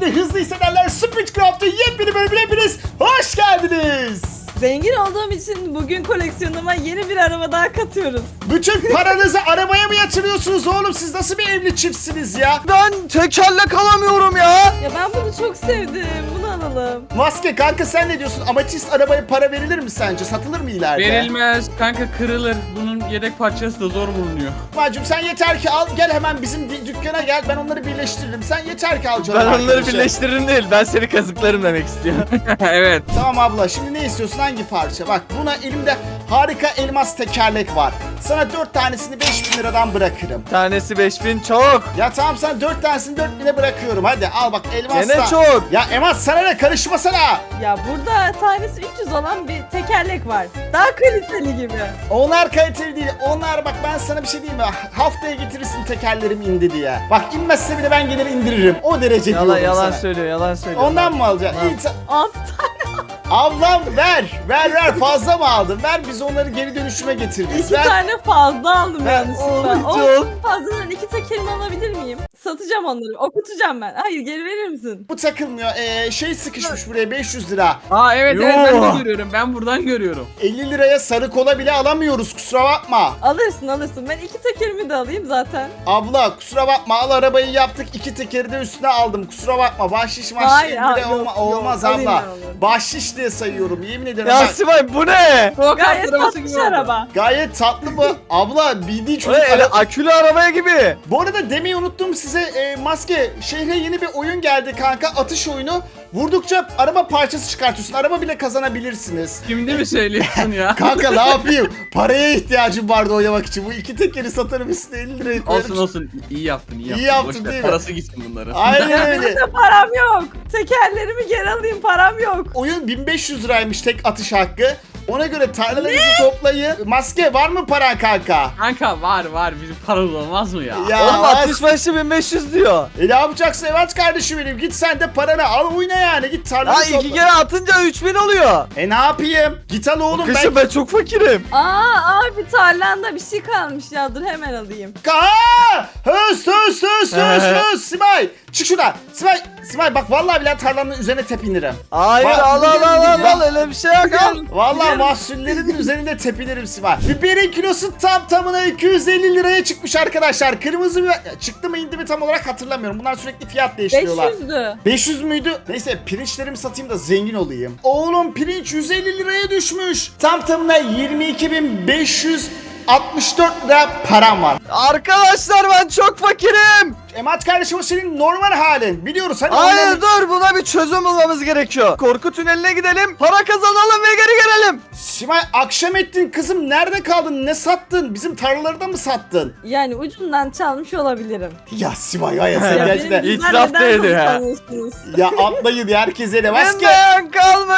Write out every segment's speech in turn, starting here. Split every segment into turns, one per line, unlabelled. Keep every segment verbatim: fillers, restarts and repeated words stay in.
ve hızlı hissederler Speedcraft'ın yepyeni bölümüne hepiniz hoş geldiniz.
Zengin olduğum için bugün koleksiyonuma yeni bir araba daha katıyoruz.
Bütün paranızı arabaya mı yatırıyorsunuz oğlum? Siz nasıl bir evli çiftsiniz ya?
Ben tekerlek alamıyorum ya.
Ya ben bunu çok sevdim. Bunu alalım.
Maske kanka sen ne diyorsun? Amatist arabaya para verilir mi sence? Satılır mı ileride?
Verilmez kanka, kırılır. Bunun yedek parçası da zor bulunuyor.
Macum sen yeter ki al gel hemen bizim dü- dükkana gel, ben onları birleştiririm. Sen yeter ki al canım
Ben onları
arkadaşım.
birleştiririm değil. Ben seni kazıklarım demek istiyor.
Evet.
Tamam abla, şimdi ne istiyorsun, hangi parça? Bak buna elimde harika elmas tekerlek var. Sana dört tanesini beş bin liradan bırakırım.
Tanesi beş bin çok.
Ya tamam, sana dört tanesini dört bine bırakıyorum, hadi al bak elmas
Gene
da.
çok.
Ya Emat sana ne, karışmasana.
Ya burada tanesi üç yüz olan bir tekerlek var. Daha kaliteli gibi.
Onlar kaliteli değil, onlar bak ben sana bir şey diyeyim mi? Haftaya getirirsin tekerlerim indi diye. Bak inmezse bile ben gelir indiririm, o derece
Yalan
diyorum
yalan
sana.
söylüyor, yalan söylüyor.
Ondan mı alacaksın?
Tamam.
İyi, ta-
altı tane.
ablam ver, ver ver, fazla mı aldın? Ver, biz onları geri dönüşüme getiririz.
İki
Ver.
tane fazla aldım
Ben-
yanlışlıkla. O
Oğlum,
fazladan iki tekerimi alabilir miyim? Satacağım onları. Okutacağım ben. Hayır, geri verir misin?
Bu takılmıyor. Ee, şey sıkışmış buraya, beş yüz lira.
Aa evet evet,
Yo.
ben de görüyorum. Ben buradan görüyorum.
elli liraya sarı kola bile alamıyoruz, kusura bakma.
Alırsın alırsın. Ben iki tekerimi de alayım zaten.
Abla kusura bakma, al arabayı yaptık, iki tekeri de üstüne aldım, kusura bakma. Bahşiş mahşiş
Hayır,
elli
hayır,
lira olma-
yok, yok.
olmaz
Alayım
abla.
ben onu.
Bahşiş diye sayıyorum, yemin ederim.
ya
Bak,
Sibel bu ne?
Go-kart
Gayet
arabası
tatlış
gibi oldu.
araba.
gayet tatlı bu. Abla bildiği
O
çocuk.
ne, öyle
Ara-
akülü arabaya gibi.
Bu arada demeyi unuttum size, e, Maske, şehre yeni bir oyun geldi kanka, atış oyunu. Vurdukça araba parçası çıkartıyorsun, araba bile kazanabilirsiniz.
Şimdi mi söylüyorsun ya?
Kanka ne yapayım? Paraya ihtiyacım vardı oynamak için. Bu iki tekeri satarım, üstüne elli liraya koyarım.
Olsun olsun, iyi yaptın iyi yaptın.
yaptın,
Boş ver,
değil mi?
parası gitsin bunların.
Aynen öyle.
Benim de param yok. Tekerlerimi geri alayım, param yok.
Oyun bin beş yüz liraymış tek atış hakkı. Ona göre tarlalarınızı toplayın. Maske var mı paran kanka?
Kanka var var, bizim paramız olmaz mı ya?
Ya
Oğlum
az-
atış başı bin beş yüz diyor.
E ne yapacaksın evet kardeşim benim? Git sen de paranı al, oyna yani. Git tarlanı
Ha
topla.
iki kere atınca üç bin oluyor.
E ne yapayım? Git al oğlum.
Kışın ben çok fakirim.
Aa abi tarlanda bir şey kalmış ya, dur hemen alayım.
Aa! Höz höz höz höz höz. Simay çık şuradan. Simay, Simay bak vallahi billahi tarlanın üzerine tepinirim.
Hayır
Bak,
al al al al
bak.
al öyle bir şey yok al.
Vallahi mahsullerin üzerinde tepinirim Simay. Biberin kilosu tam tamına iki yüz elli liraya çıkmış arkadaşlar. Kırmızı biber ya, çıktı mı indi mi tam olarak hatırlamıyorum. Bunlar sürekli fiyat değiştiriyorlar.
beş yüzdü.
beş yüz müydü? Neyse pirinçlerimi satayım da zengin olayım. Oğlum pirinç yüz elli liraya düşmüş. Tam tamına yirmi iki bin beş yüz altmış dört lira param var.
Arkadaşlar ben çok fakirim.
Emat kardeşim o senin normal halin. Biliyoruz hani
Hayır
onların-
dur, buna bir çözüm bulmamız gerekiyor. Korku tüneline gidelim, para kazanalım ve geri gelelim.
Simay akşam ettin kızım, nerede kaldın, ne sattın, bizim tarlaları da mı sattın?
Yani ucundan çalmış olabilirim.
Ya Simay ya, ya sen
Ya
gerçekten
benim
itiraf
neden
da
bunu
ediyor ha.
sanıyorsunuz?
ya atlayın herkese de maske.
Benden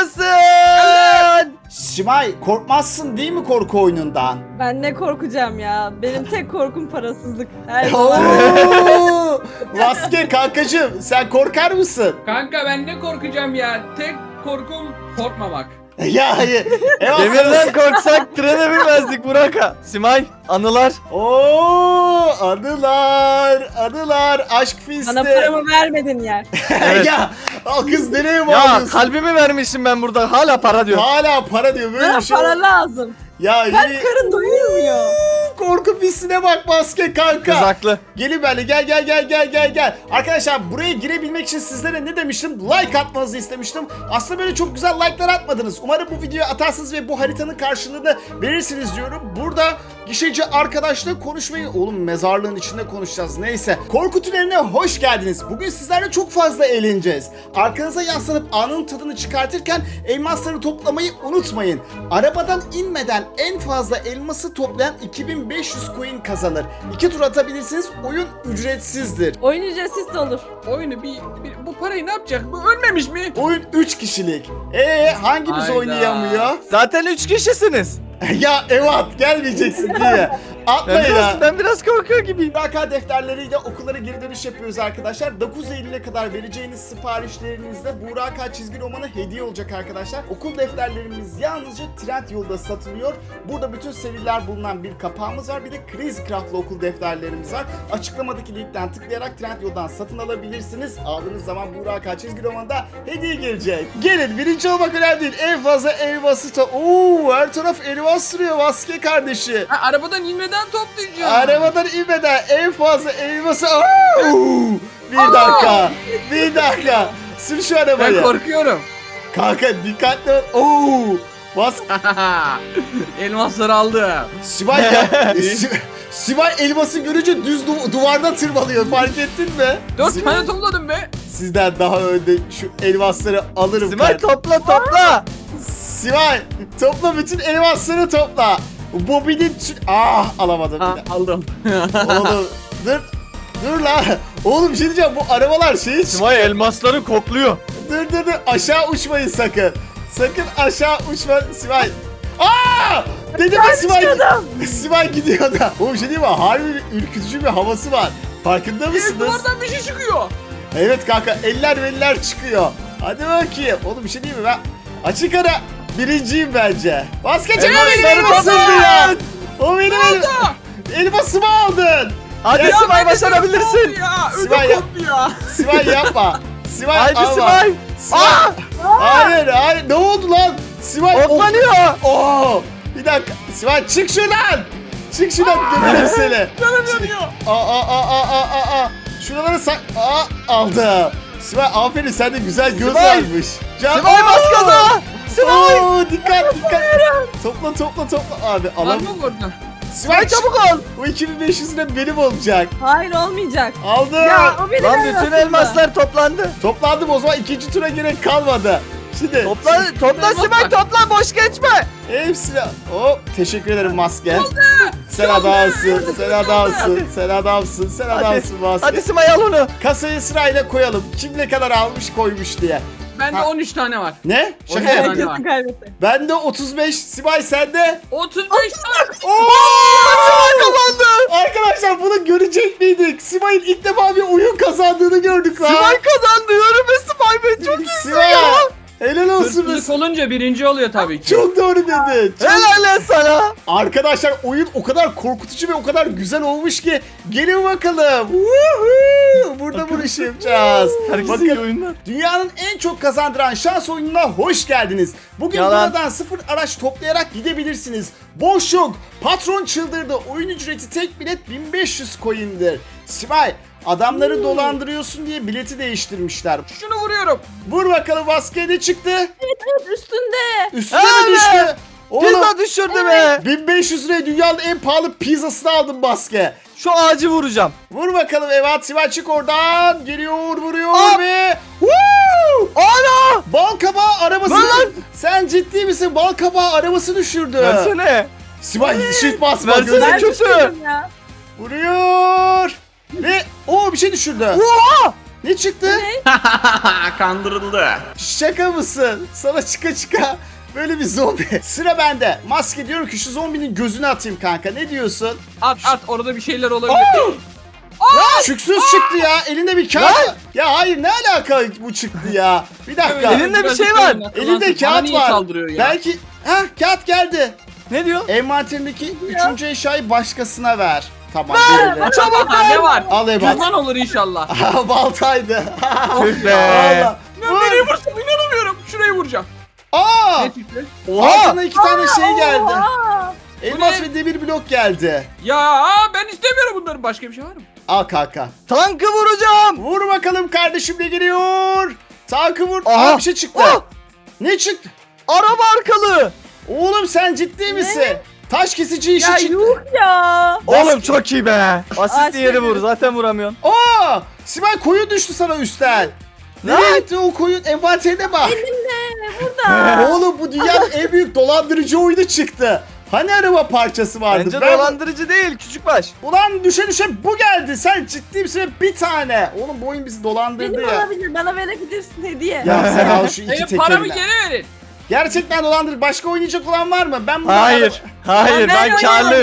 kalmasın.
Simay korkmazsın değil mi korku oyunundan?
Ben ne korkacağım ya? Benim tek korkum parasızlık. Her zaman.
Oo! Maske kankacığım sen korkar mısın?
Kanka ben ne korkacağım ya? Tek korkum korkmamak.
Ya hayır. Evet,
Demirden korksak trene binmezdik Burak'a. Simay, anılar.
Oo, anılar, anılar, aşk fisti.
Bana paramı vermedin yer.
Evet.
Ya o kız nereye
Ya
bağlıyorsun?
kalbimi vermişim ben burada, hala para diyor.
Hala para diyor, böyle
Bana
bir şey.
para lazım.
Ya
Kalp
yine
karın doyurmuyor.
korku pistine bak maske kanka.
Kız haklı.
Gelin böyle, gel gel gel gel gel gel. Arkadaşlar buraya girebilmek için sizlere ne demiştim? Like atmanızı istemiştim. Aslında böyle çok güzel like'lar atmadınız. Umarım bu videoyu atarsınız ve bu haritanın karşılığını verirsiniz diyorum. Burada gişeci arkadaşla konuşmayı... Oğlum mezarlığın içinde konuşacağız, neyse. Korku tüneline hoş geldiniz. Bugün sizlerle çok fazla eğleneceğiz. Arkanıza yaslanıp anın tadını çıkartırken elmasları toplamayı unutmayın. Arabadan inmeden en fazla elması toplayan iki bin beş yüz coin kazanır. İki tur atabilirsiniz. Oyun ücretsizdir.
Oyun ücretsiz de olur.
Oyunu bir, bir- bu parayı ne yapacak? Bu ölmemiş mi?
Oyun üç kişilik. Ee hangimiz
Hayda.
oynayamıyor?
Zaten üç kişisiniz.
Ya Evat gelmeyeceksin diye.
Ben
Atlayın ha.
biraz, ben biraz korkuyor gibiyim.
Vaka defterleriyle okullara geri dönüş yapıyoruz arkadaşlar. dokuz Eylül'e kadar vereceğiniz siparişlerinizde Buğra çizgi romanı hediye olacak arkadaşlar. Okul defterlerimiz yalnızca Trendyol'da satılıyor. Burada bütün seriler bulunan bir kapağımız var. Bir de Crazy Craft'lı okul defterlerimiz var. Açıklamadaki linkten tıklayarak Trendyol'dan satın alabilirsiniz. Aldığınız zaman Buğra çizgi romanında hediye gelecek. Gelin, birinci olmak önemli değil. En fazla elması to... Oo, her taraf elmas duruyor Vaske kardeşi.
Ha, arabadan inmeden toplayacağım.
Arabadan inmeden en fazla elması... Oo! Bir dakika. Bir dakika. Sür şu
Ben
arabayı.
korkuyorum.
Kanka dikkatli ol. Oo! Bas.
Elmasları aldı.
Sibel ya. Si- Sibel elması görünce düz du- duvardan tırmalıyor. Fark ettin mi?
Dört
Si-
tane topladım be.
Sizden daha önde şu elmasları alırım.
Simay
kardeşim.
topla topla.
Sibel topla, bütün elmasları topla. Bobby'nin... tü- Ah, alamadım.
Ha, aldım.
Oğlum dur. Dur lan. Oğlum bir şey diyeceğim, bu arabalar şeyi...
Simay elmasları kokluyor.
Dur dur dur, aşağı uçmayın sakın. Sakın aşağı uçma Sibel. Aa! Dedim ya Sibel. Sibel gidiyor da. Oğlum bir şey diyeyim mi? Harbi bir ürkütücü bir havası var. Farkında
Evet,
mısınız?
duvardan bir şey çıkıyor.
Evet kanka, eller eller çıkıyor. Hadi bakayım. Oğlum bir şey diyeyim mi ben? Açık ara birinciyim bence. Vazgeçemem, benim
Elmasları
elmasımdı ya.
toplayın.
O benim el... elmasımı aldın.
Hadi
Ya
Simay
ben de
başarabilirsin.
koptu Ya,
Sibel
ödüm
ya-
koptu ya.
Sibel yapma. Sibel
Haydi
alma.
Simay.
Sibel.
Aa!
Hayır hayır, ne oldu lan? Sibel
Oklanıyor.
Oo! Bir dakika. Sibel çık şuradan. Çık şuradan, dönerim seni.
Canım yanıyor.
Aa aa aa aa aa aa. Şuraları sak... Aa, aldı. Sibel aferin, sende güzel göz
Sibel.
varmış. Can...
Simay bas
Oo!
gaza. Simay.
Oo, dikkat dikkat. Topla topla topla. Abi
Var
alam.
mı burada?
Sibel
Simay çabuk ol.
Bu iki bin beş yüz lira benim olacak.
Hayır olmayacak.
Aldım.
Ya o benim
Lan
elmasım
bütün
da.
elmaslar toplandı.
Toplandım, o zaman ikinci tura gerek kalmadı. Şimdi
Topla topla
Elmas
Simay
var.
topla, boş geçme.
hepsini... Hop, teşekkür ederim maske. Sen
Çaldı.
adamsın,
Yürü,
sen
yürü,
adamsın,
yürü.
sen adamsın, sen
Hadi.
adamsın maske.
Hadi Simay al onu.
Kasayı sırayla koyalım. Kim ne kadar almış koymuş diye.
Bende
Ha.
on üç tane var.
Ne? Şaka
Oraya
yap.
bak.
Herkesin kaybetti.
Bende otuz beş, Sibel sende.
otuz beş tane.
Oo!
Simay kazandı.
Arkadaşlar bunu görecek miydik? Sibel'in ilk defa bir oyun kazandığını gördük lan.
Simay kazandı. Yürüme Simay be, çok iyisin
Sibel.
ya.
Helal olsun.
Hırsızlık olunca birinci oluyor tabii ki.
Çok doğru dedi. Çok-
Helal lan sana.
Arkadaşlar oyun o kadar korkutucu ve o kadar güzel olmuş ki gelin bakalım. Woohoo! Burada bu işi yapacağız.
Herkese iyi
Bakın,
oyunlar.
dünyanın en çok kazandıran şans oyununa hoş geldiniz. Bugün
Yalan.
buradan sıfır araç toplayarak gidebilirsiniz. Boş yok. Patron çıldırdı. Oyun ücreti tek bilet bin beş yüz coin'dir. Sibel, adamları dolandırıyorsun diye bileti değiştirmişler.
Şunu vuruyorum.
Vur bakalım, baskıya ne çıktı?
Evet üstünde.
Üstüne mi
Evet.
düştü? Oğlum,
Pizza düşürdü be.
bin beş yüz liraya dünyanın en pahalı pizzasını aldım baske.
Şu ağacı vuracağım.
Vur bakalım, evet Sibel çık oradan. Geliyor, vuruyor
Hop.
ve... Woo!
Ana.
Bal kabağı arabası.
Lan lan.
Sen ciddi misin? Bal kabağı arabası düşürdü.
Versene.
Sibel shift basma,
Versene.
gözün
Ben
kötü.
düşürdüm ya.
vuruyor. Ve o bir şey düşürdü.
Oha.
Ne çıktı?
Kandırıldı.
Şaka mısın? Sana çıka çıka böyle bir zombi. Sıra bende. Maske, diyorum ki şu zombinin gözünü atayım kanka. Ne diyorsun?
At at, orada bir şeyler olabilir.
Lan şüksüz çıktı ya. Elinde bir kağıt.
Lan!
Ya hayır, ne alaka bu çıktı ya? Bir dakika.
Evet,
Elinde bir
biraz
şey
yukarı
var.
bak.
Elinde
Bana
kağıt
niye
var.
saldırıyor ya?
Belki... Hah, kağıt geldi.
Ne diyor?
Envanterindeki üçüncü eşyayı başkasına ver. Tamam, verelim.
Çabuk
Ha, ne var?
Al Ebat.
Cüzdan olur inşallah.
Aha, baltaydı.
Tüh be.
Allah.
Ben nereye vursam inanamıyorum. Şurayı vuracağım.
Aa!
Ne çıktı?
Oha.
Altına iki tane şey geldi.
Oha.
Elmas
Bu ne?
ve demir blok geldi.
Ya ben istemiyorum bunların. Başka bir şey var mı?
Al kanka.
Tankı vuracağım.
Vur bakalım kardeşim, ne geliyor? Tankı vur.
Aha.
Aa, bir şey çıktı.
Oh.
Ne çıktı?
Araba arkalı.
Oğlum sen ciddi misin? Taş kesici işi
Ya
çıktı.
yuh ya.
Oğlum çok iyi be. Basit
Aa,
yeri
şey-
vur, zaten vuramıyorsun.
Aa! Sibel, koyun düştü sana üstten. Nereye gitti o koyun? Envanterine bak.
Burada.
Oğlum bu dünyanın en büyük dolandırıcı oyunu çıktı. Hani araba parçası vardı?
Bence
Ben-
dolandırıcı değil, küçük baş.
Ulan düşe düşe bu geldi. Sen ciddi misin? Bir tane. Oğlum bu oyun bizi dolandırdı
Benim
ya.
olabilir. Bana verebilirsin hediye.
Ya sen al şu iki
Benim paramı
tekerle.
geri verin.
Gerçekten dolandırdı. Başka oynayacak olan var mı? Ben bunu
Hayır. Hayır,
Ya
ben
ne
karlıyım.
ya?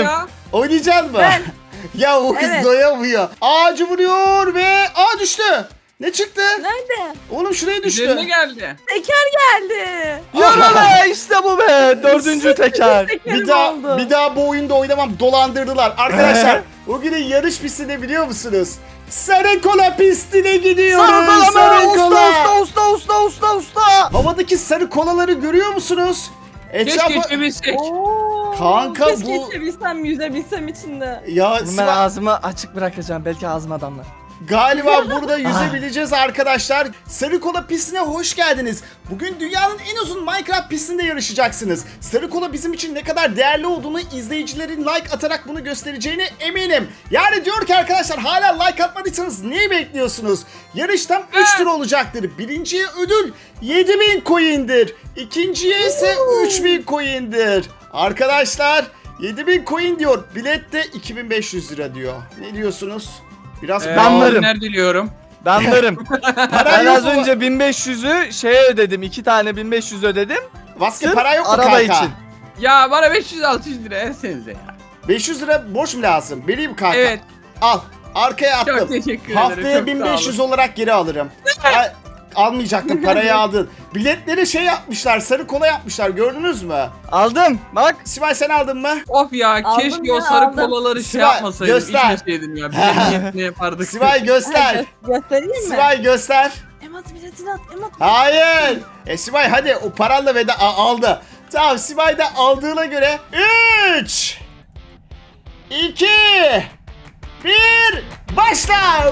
Oynayacak mı?
Ben.
Ya o kız
Evet.
doyamıyor. Ağacı vuruyor ve aa düştü. Ne çıktı?
Nerede?
Oğlum şuraya düştü.
Üzerine geldi.
Teker geldi.
Yürü be işte bu be. Dördüncü teker.
Tekerim
Bir daha
oldu.
bir daha bu oyunda oynamam, dolandırdılar. Arkadaşlar bugünün yarış pistine biliyor musunuz? Sarı kola pistine gidiyoruz.
Sarı kola mı?
Sarı
Usta
kola.
usta usta usta usta usta.
Havadaki sarı kolaları görüyor musunuz?
Keşke
Etrafı...
içebilsek.
Oo,
Kanka
keşke
bu-
içebilsem, yüzebilsem içinde.
Ya
Bunu ben
Sivas-
ağzımı açık bırakacağım. Belki ağzıma damlar.
Galiba burada yüzebileceğiz arkadaşlar. Sarı kola pistine hoş geldiniz. Bugün dünyanın en uzun Minecraft pistinde yarışacaksınız. Sarı kola bizim için ne kadar değerli olduğunu izleyicilerin like atarak bunu göstereceğine eminim. Yani diyor ki arkadaşlar, hala like atmadıysanız neyi bekliyorsunuz? Yarış tam üç tur olacaktır. Birinciye ödül yedi bin coin'dir. İkinciye ise üç bin coin'dir. Arkadaşlar yedi bin coin diyor. Bilet de iki bin beş yüz lira diyor. Ne diyorsunuz? Biraz
Ee,
Ben varım.
Nerede diliyorum?
Ben varım.
para
Ben
yok
az
mu?
önce bin beş yüzü şeye ödedim. iki tane bin beş yüz ödedim.
Vaske
Sırf
para yok mu
araba
kanka?
için.
Ya bana beş yüz altı yüz lira versenize ya.
beş yüz lira borç mu lazım? Vereyim kanka.
Evet.
Al. Arkaya attım.
Çok teşekkür ederim.
Haftaya
çok
bin
sağ
beş yüz
olun.
olarak geri alırım. Ay, almayacaktım, parayı aldın. Biletleri şey yapmışlar, sarı kola yapmışlar, gördünüz mü?
Aldım. Bak.
Sibel sen aldın mı?
Of ya
Aldım
keşke
ya,
o sarı
aldım.
kolaları şey
Sibel,
yapmasaydım.
göster.
İçmeseydim ya. Bilelim ne yapardık.
Sibel göster.
Gö- göstereyim mi?
Sibel göster.
Emat biletini at, Emat.
Hayır. E Sibel hadi o paranla veda a- aldı. Tamam, Sibel de aldığına göre üç iki bir başla.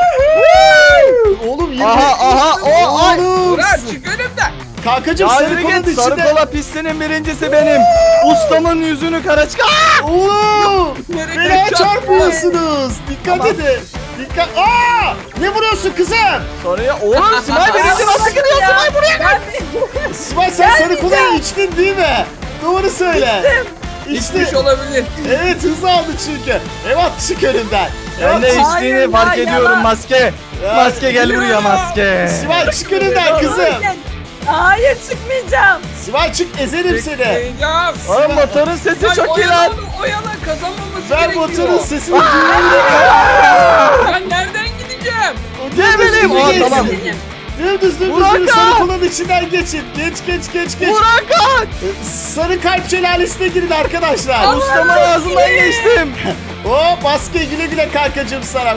Woohoo! Oğlum yine.
Aha aha o ay.
Oğlum.
Murat çık önümden.
Kankacım
Ya
sarı
yürü
kolanın
git. Sarı
içinde.
kola pistinin birincisi benim. Ustamın yüzünü kara çıkar.
Oğlum.
Nereye
Fena
çarptın?
çarpıyorsunuz. Dikkat
Tamam.
edin. Dikkat. Aa! Ne vuruyorsun kızım?
Soruya oğlum Simay birinci nasıl gidiyor Simay buraya?
Ben
Sibel sen sarı kolayı içtin değil mi? Doğru söyle. İçtim.
İçmiş olabilir.
Evet, hız aldı çünkü. Evet, çık önümden.
Ben de
Evet,
içtiğini
Hayır,
fark
ya,
ediyorum
yalan.
maske.
Ya,
Maske gel buraya
biliyorum.
maske.
Sibel çık önümden kızım.
Hayır, çıkmayacağım.
Sibel çık, ezerim seni.
Ya.
Oğlum motorun sesi
Ya
çok iyi
oyala
lan.
onu, oyala kazanmaması
Ben
gerekiyor.
motorun sesini duyuyorum.
Ben nereden gideceğim?
Ne bileyim. Aa,
Geçsin.
tamam.
Dümdüz dümdüz
Burak
dümdüz sarı
abi.
kolanın içinden geçin. Geç geç geç geç.
Burak aç.
Sarı kalp şelalesine girin arkadaşlar.
Ustamın ağzından geçtim.
O baske güle güle kankacığım sana.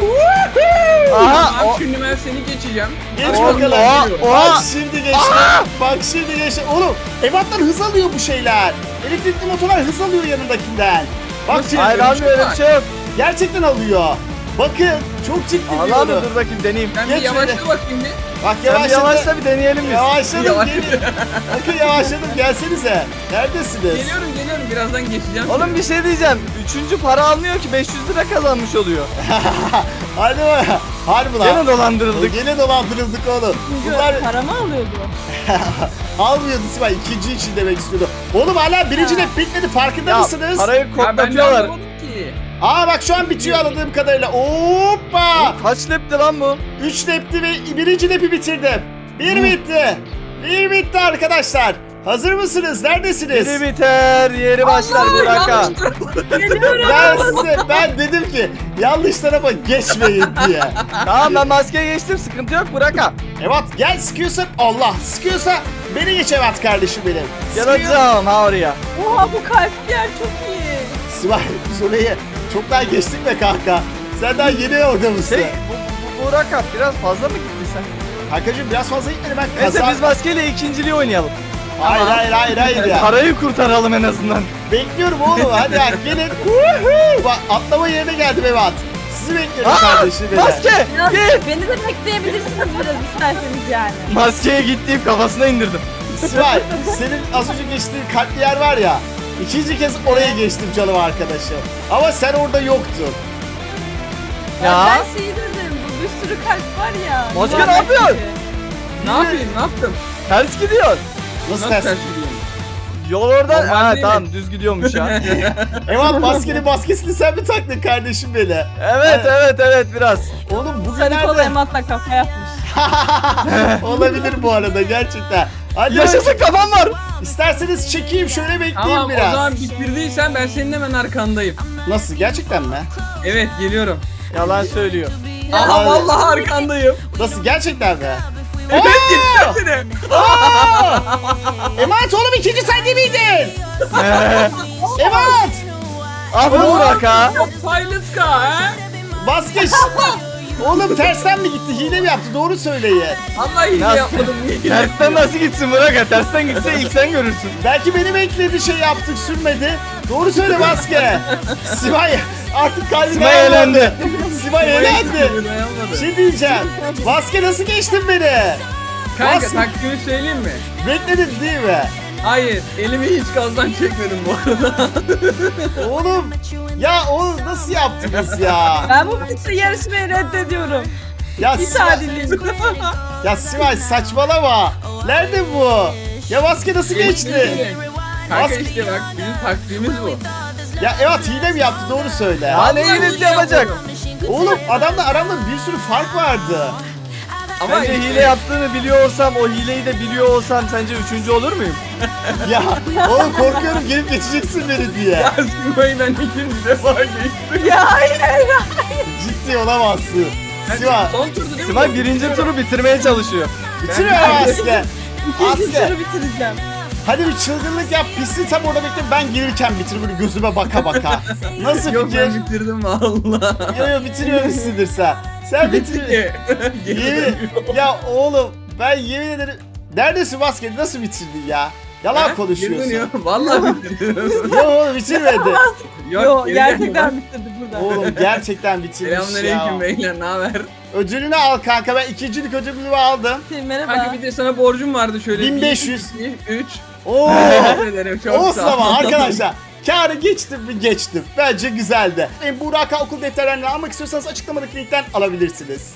Aha.
Tamam
o-
şimdi ben seni geçeceğim.
Geç
Oğlum,
bakalım.
oha, oha.
Bak şimdi geçti. Bak şimdi geçti. Oğlum ebatlar hız alıyor bu şeyler. Elektrikli motorlar hız alıyor yanındakinden. Bak
Nasıl
şimdi
Hayır abi öyle bir şey yok.
gerçekten alıyor. Bakın çok ciddi
Allah
diyorum.
mı dur bakayım deneyeyim.
Ben
Geç
bir yavaşla
şöyle.
bakayım bir.
Bak
Sen bir
yavaşladı.
yavaşla bir deneyelim biz.
Yavaşladım
Yavaş.
gelin. Bakın yavaşladım, gelsenize. Neredesiniz?
Geliyorum geliyorum birazdan geçeceğim.
Oğlum bir şey diyeceğim. Üçüncü para almıyor ki beş yüz lira kazanmış oluyor.
Hadi bak. Harbi lan.
Gene dolandırıldık.
Gene dolandırıldık oğlum. Bunlar
Paramı alıyordu.
almıyordu Sibel. İkinci için demek istiyordu. Oğlum hala birinci de bitmedi, farkında
Ya
mısınız?
parayı
Ya ben de
koklatıyorlar.
anlamadım ki.
Aa bak şu an bitiyor anladığım kadarıyla. Hoppa.
Oğlum kaç lepti lan bu?
Üç lepti ve birinci lepi bitirdim. Bir bitti. Bir bitti arkadaşlar. Hazır mısınız? Neredesiniz?
Biri biter, yeri başlar bir dakika.
Yanlış tarafa-
Geliyorum.
Ben size, ben dedim ki yanlış tarafa geçmeyin diye.
Tamam ben maskeye geçtim sıkıntı yok bırak ha.
Evet gel, sıkıyorsa Allah, sıkıyorsa beni geç evet kardeşim benim. Sıkıyor.
Geleceğim ha oraya.
Oha bu kalp yer çok iyi.
Sibel biz orayı çoktan geçtik be kanka. Sen daha yeni orada mısın?
Şey bu, bu Burak abi biraz fazla mı gitti sen?
Kankacığım biraz fazla gitmedi, ben
Neyse
kazan...
biz maskeyle ikinciliği oynayalım.
Hayır hayır hayır hayır ya.
Parayı kurtaralım en azından.
Bekliyorum oğlum, hadi ya gelin. Woohoo! Bak atlama yerine geldim evet. Sizi bekliyorum
Aa,
kardeşim benim.
maske
Ya,
git.
beni de bekleyebilirsiniz biraz isterseniz yani.
Maskeye gittiğim kafasına indirdim.
Sibel senin az önce geçtiğin kalpli yer var ya. İkinci kez oraya geçtim canım arkadaşım. Ama sen orada yoktun.
Ya.
Ben şey dedim, bu bir sürü kalp var ya.
Maske
yuvarlak
ne yapıyor?
gibi.
Ne yapayım ne yaptım?
Ters gidiyor.
Nasıl
Nasıl
ters?
ters gidiyorum?
Yol oradan.
Normal
Ha
değil mi?
tamam düz gidiyormuş ya.
Evet maskenin maskesini sen mi taktın kardeşim beni?
Evet evet evet biraz.
Oğlum
Sarı kola
bugünlerde
Emat'la kafa yapmış.
olabilir bu arada gerçekten. Hadi
Yaşasın, kafam var.
İsterseniz çekeyim şöyle bekleyeyim
Tamam
biraz.
o zaman bitirdiysen ben senin hemen arkandayım.
Nasıl, gerçekten mi?
Evet geliyorum.
Yalan söylüyor.
Aha
Abi.
vallahi arkandayım.
Nasıl, gerçekten mi?
Evet
Aa!
geçtim seni.
Aa! Emanet oğlum, ikinci sen de miydin? Emanet!
Abi Burak ha.
Pilot car ha?
Vazgeç. Oğlum tersten mi gitti? Hile mi yaptı? Doğru söyleyin.
Allah iyi
Nasıl?
yapmadım.
Tersten nasıl gitsin Burak ha? Tersten gitse ilk sen görürsün.
Belki beni bekledi, şey yaptık, sürmedi. Doğru söyle Vaske. Sivay artık kalbine
Sivay elendi.
Sivay elendi.
Dayanamadı.
Bir şey diyeceğim. Vaske nasıl geçtin beni?
Kanka
Nasıl?
taktiğimi söyleyeyim mi?
Bekledin değil mi?
Hayır, elimi hiç gazdan çekmedim bu arada.
Oğlum ya oğlum nasıl yaptınız ya?
Ben bu bütün yarışmayı reddediyorum.
Ya
Hiç
Sivay,
adil değil.
ya Sivay saçmalama. Nerede bu? Ya Vaske nasıl geçti?
Kanka
Bas-
işte bak bizim taktiğimiz bu.
Ya evet, hile mi yaptı? Doğru söyle.
Ya ne hilesi yapacak?
Oğlum adamla aramda bir sürü fark vardı.
Ama
Bence
işte-
hile yaptığını biliyor olsam, o hileyi de biliyor olsam sence üçüncü olur muyum?
Ya oğlum korkuyorum gelip geçeceksin beni diye.
Ya Sima'yı ben ikinci defa geçtim.
Ya hayır hayır.
Ciddi olamazsın. Siva
Son turdu değil mi?
Simay birinci turu bitirmeye çalışıyor.
bitiriyor Aske.
İkinci
Aske
turu bitireceğim.
hadi bir çılgınlık yap, pisliği tam orada bekle, ben gelirken bitir böyle gözüme baka baka. Nasıl
Yok
fikir?
ben bitirdim valla.
Yo yo bitiriyor musundur sen? Sen bitir. Yemin, ya oğlum ben yemin ederim. Neredesin Vaske, nasıl bitirdin ya? Yalan konuşuyorsun.
Valla bitirdim.
Yok oğlum bitirmedi.
Yo
geri
gerçekten
gel.
bitirdim burada.
Oğlum gerçekten bitirmiş
Selamünaleyküm
ya.
beyler, ne haber?
Ödülünü al kanka, ben ikincilik ödülümü aldım.
Merhaba.
Kanka bir de sana borcum vardı şöyle.
bin beş yüz.
üç.
Oo.
Teşekkür ederim, çok
Olsun
sağ ol.
ama arkadaşlar. Kârı geçtim mi geçtim. Bence güzeldi. E, Burak Okul defterlerini almak istiyorsanız açıklamadaki linkten alabilirsiniz.